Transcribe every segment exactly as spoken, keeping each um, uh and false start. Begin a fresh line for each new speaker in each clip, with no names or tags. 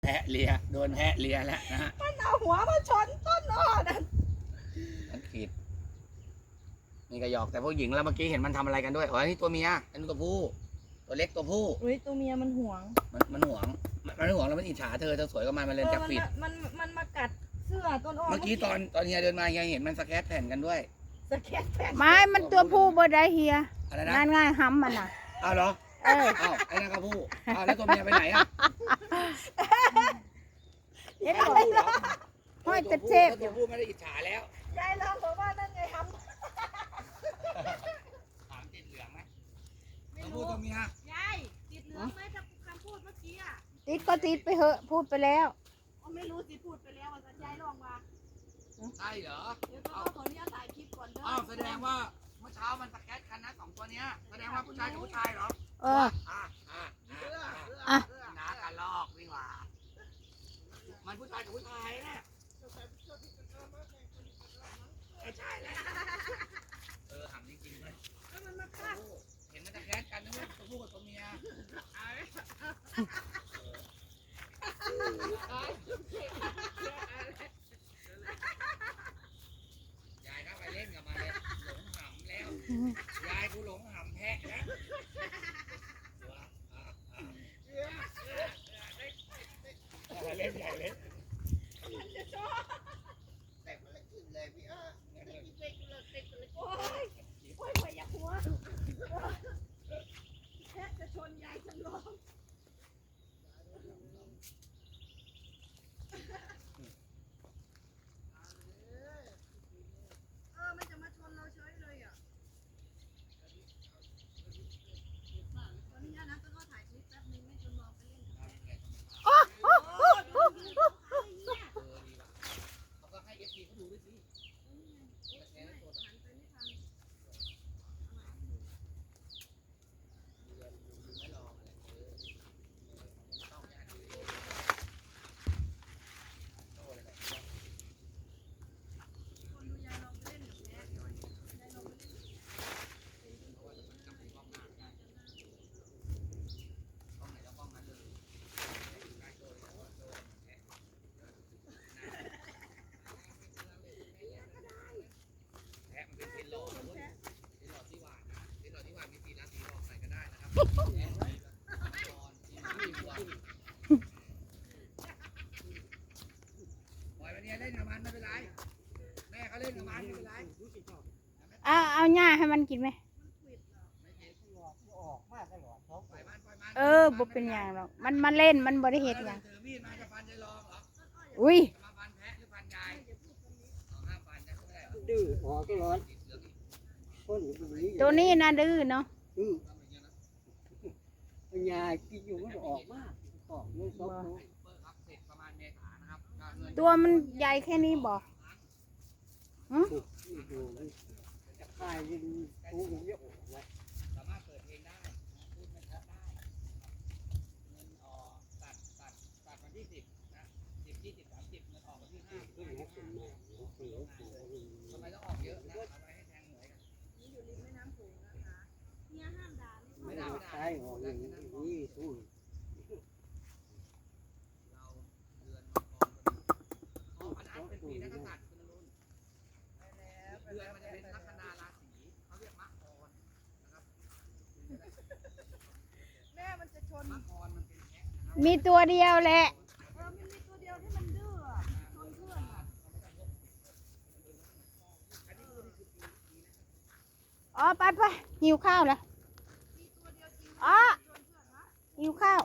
แพะเลียโดนแพะเลียแล้วนะฮะ
มันเอาหัวมาชนต้นอ้อนั่น
มันขีดนี่ก็หยอกแต่พวกหญิงแล้วเมื่อกี้เห็นมันทำอะไรกันด้วยอ๋อนี่ตัวเมียอันนี้ตัวผู้ตัวเล็กตัวผู้
อุ้ยตัวเมียมันห่วง
มันมันห่วงมันห่วงแล้วมันอิจฉาเธอเธอสวยก็มันมันเลยจับผิด
มันมันมากัดเสื้อต้นอ้อ
เมื่อกี้ตอนตอนเฮียเดินมาเฮียเห็นมันสแคตแผ่นกันด้วย
สแคตแผ่น
ไม้มันตัวผู้บ่ได้เฮีย
อะไรนะ
งานง่ายห้ำมันอ่ะ
อ้าวเหรอ
เออ
อ้าวไอ้นั่นก็ผู้อ้าวแล้วตัวเมียไปไหนอ่ะ
เห็นบอกห้อยตะเทพ
ตัวผู้ไม่ได้อิจฉาแล้ว
ยายลองบอกว่านั่นไงทำ
ถามติดเหลืองไหมตัวผู้ตัวเมีย
ยายติดเหลืองไหมถ้าคำพูดเมื่อกี้อ่ะ
ติดก็ติดไปเหอะพูดไปแล้ว
ไม่รู้สิพูดไปแล้วว่าจะยายลองมา
ใช่เหรอ
เดี๋ยวต้องขออนุญาตถ่ายคลิปก่อนเด้อ
อ้าวแสดงว่าเมื่อเช้ามันสแกตกันนะสองตัวเนี้ยแสดงว่าผู้ชายกับผู้ชายเหรอ
เออ
อ่ะอ่ะ
อ่ะ
น้ากระลอกวิ่งว่ามันผู้ชายกับผู้ชายเนี่ยใช่แล้วเออถามจริงๆเลย
มันมาฆ่า
เห็นมันสแกตกันนะว่าตัวผู้กับตัวเมียยายก็ไปเล่นกับมันเลยหลงหำแล้วยายกูหลงหำแพะแล้วเล่นใหญ่เล่น
มันจะชอบ
แต่มันเลยขึ้นเลยพี่เออ
โอ้ยโอ้ยโอ้ยอย่าหัวแพะจะชนยายฉันร้อง
เล่นกับมันไม่เป็นไรแม่เขาเล่นกับมันไม่เป็นไร
เอาเอาหญ้าให้มันกินไหมเออบ่เป็นอย่างหรอกมันมาเล่นมันบ่ได้เห็ดอย่างอุ้ย
ดื้อหัวก็ร้อน
ตัวนี้นะดื้อเนาะ
ปัญญากินอยู่มันออกมากออกเลยซบ
ตัวมันใหญ่แค่นี้บอกหืม
จะคายยิงตูเยอะเลย
สามารถเปิดเพลงได้พูดไม่ชัดได้เงินออกตัดตัดตัดวันที่สิบนะสิบยี่สิบสามสิบเงินออกวันที่ห้าทำไมต้องออกเยอะนะเอาไว้ให้แทงหวยกันนี่อยู่ริมแม่น้ำโขงนะคะเนี่ยห้ามด่าไม่ด่าไม่ด่าใช่ออกอย่างนี้สู้ปีนักษัตริย์คุณลุนเดือนมันจะเป็นลัคนาราศีเขาเรียกมะกรนะครับ
แม่มันจะชน
มะกรมันเป็นแพะนะครับ
มีตัวเดียวแหละ
เออมันมีตัวเดียวที่มันดื้อชนเพื่อน
อ๋อไปไปหิวข้าวแล้วอ๋อหิวข้าว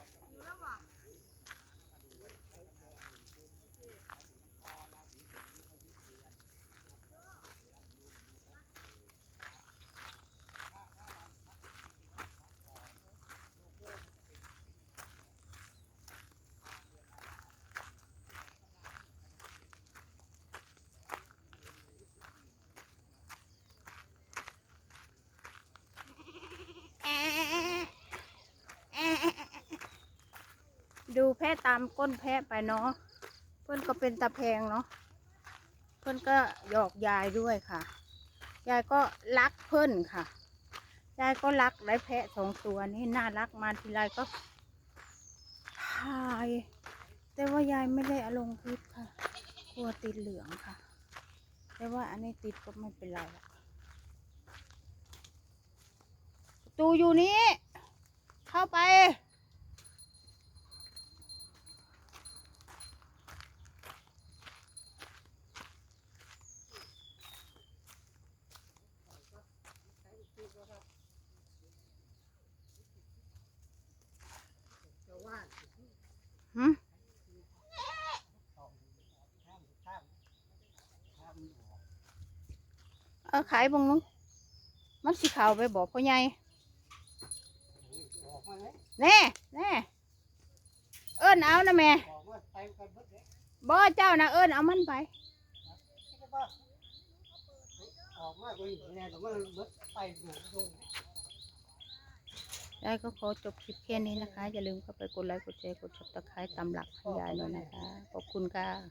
ดูแพะตามก้นแพะไปเนาะเพื่อนก็เป็นตะแพงเนาะเพื่อนก็หยอกยายด้วยค่ะยายก็รักเพื่อนค่ะยายก็รักได้แพะสองตัวนี่น่ารักมาทีไรก็ถ่ายแต่ว่ายายไม่ได้เอาลงคลิปค่ะกลัวติดเหลืองค่ะ แต่ว่าอันนี้ติดก็ไม่เป็นไรหรอกประตูอยู่นี้ เข้าไป หืมเออขายบังนุมันสิขาวไปบอกพ่อใหญ่แน่แน่เอิ้นเอานะแม่บ่เจ้านะเอิ้นเอามันไป
ออกมาเป็นแน่แต่ว่าเบิดไปอยู่ตรง
ยายก็ขอจบคลิปแค่นี้นะคะ อย่าลืมเข้าไปกดไลค์กดแชร์กดซับสไครต์ตามหลักให้ยายหน่อยนะคะ ขอบคุณค่ะ